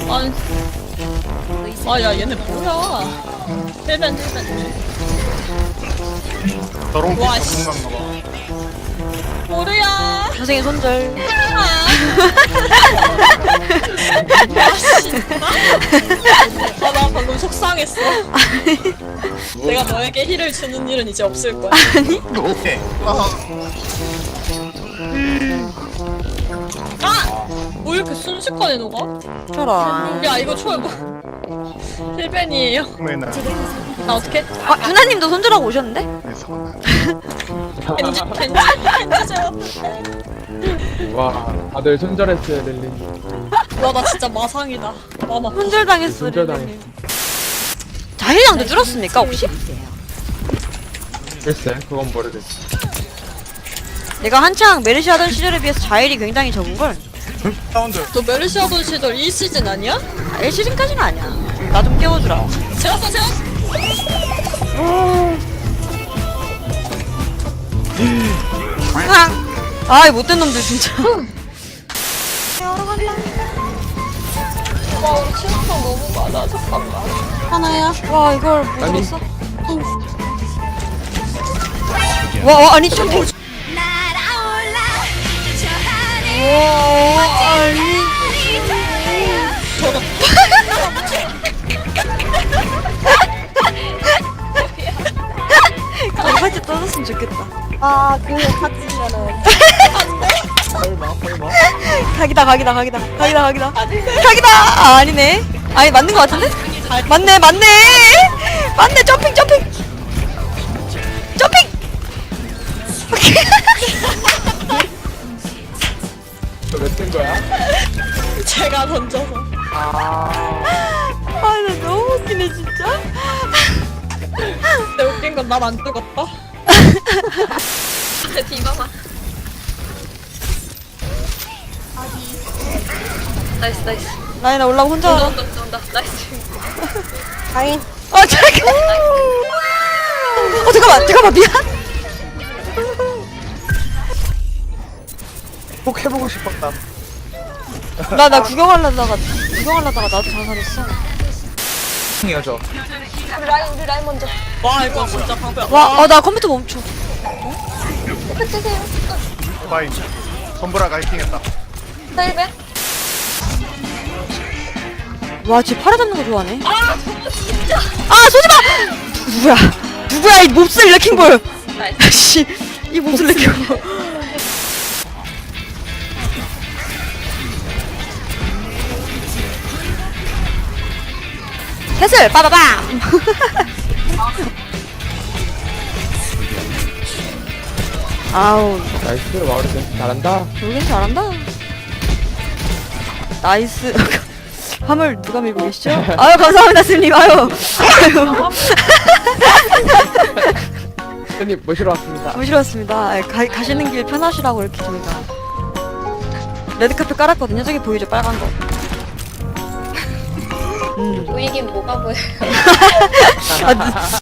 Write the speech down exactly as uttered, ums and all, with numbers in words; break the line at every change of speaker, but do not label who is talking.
아니. 아, 야, 얘네 뭐야. 힐벤, 힐벤.
저런 게
와, 씨.
전문가인가 봐.
모르야.
선생님 손절.
아, 진짜? 아, 나 방금 속상했어. 내가 너에게 힐을 주는 일은 이제 없을 거야.
오케이. 아,
아! 뭐 이렇게 순식간에 녹아?
저런.
야, 이거 초월 뭐. 힐벤이에요.
맨날
나 어떡해?
아, 누나님도 손절하고 오셨는데?
그래서
겐지, 겐지, 겐지 제압.
와, 다들 손절했어요, 렐린.
와, 나 진짜 마상이다. 마마.
손절당했어.
손절당했어.
릴리님. 자힐량도 줄었습니까 혹시?
글쎄, 그건 모르겠어.
내가 한창 메르시 하던 시절에 비해서 자힐이 굉장히 적은걸?
사운드.
너 메르시 하던 시절 이 시즌 아니야?
아, 일 시즌까지는 아니야. 나 좀 깨워주라.
재웠어, 재웠어.
으악! 아이 못된 놈들 진짜.
와, 우리 치명상 너무 많아. 잠깐만.
하나야? 와 이걸 못
아니.
잡았어? 와, 와 아니 좀 탱. 와 아니. 강파지 떠났으면 좋겠다.
아, 그거 같으면은
설마, 설마?
각이다 각이다 각이다 각이다 각이다 각이다. 아 아니네. 아니 맞는 거 같은데? 맞네 맞네 맞네. 점핑 점핑 점핑.
몇된 거야?
제가 던져서.
아,
아나 너무 웃기네 진짜.
근데 웃긴 건 난 안 죽었다. 디바마. 나이스, 나이스.
라인아 올라오고 혼자.
온다, 온다, 온다. 나이스.
다인.
아 잠깐. 어 잠깐만 잠깐만 미안.
꼭 해보고 싶었다.
나 나 구경하려다가 구경하려다가 나도 자살했어.
이어져.
우리 라인, 우리 라인 먼저.
와, 이거 진짜 방패.
와, 아 나 컴퓨터 멈춰.
끝내세요.
바이. 선브라가 해킹했다.
셀벤.
와, 쟤 팔아 잡는 거 좋아하네. 아, 진짜. 아, 쏘지 마. 누구야? 누구야 이 몹쓸 레킹볼. 씨, 이 몹쓸 레킹볼. 해슬 빠바밤. 아우,
나이스, 마우리스. 잘한다.
여긴 잘한다. 나이스. 화물 누가 밀고 계시죠? 아유 감사합니다 스님. 아유 아유
손님 모시러 왔습니다.
모시러 왔습니다. 아, 가, 가시는 길 편하시라고 이렇게 저희가 레드카펫 깔았거든요. 저기 보이죠 빨간 거. 음.
보이긴 뭐가 보여요.
아,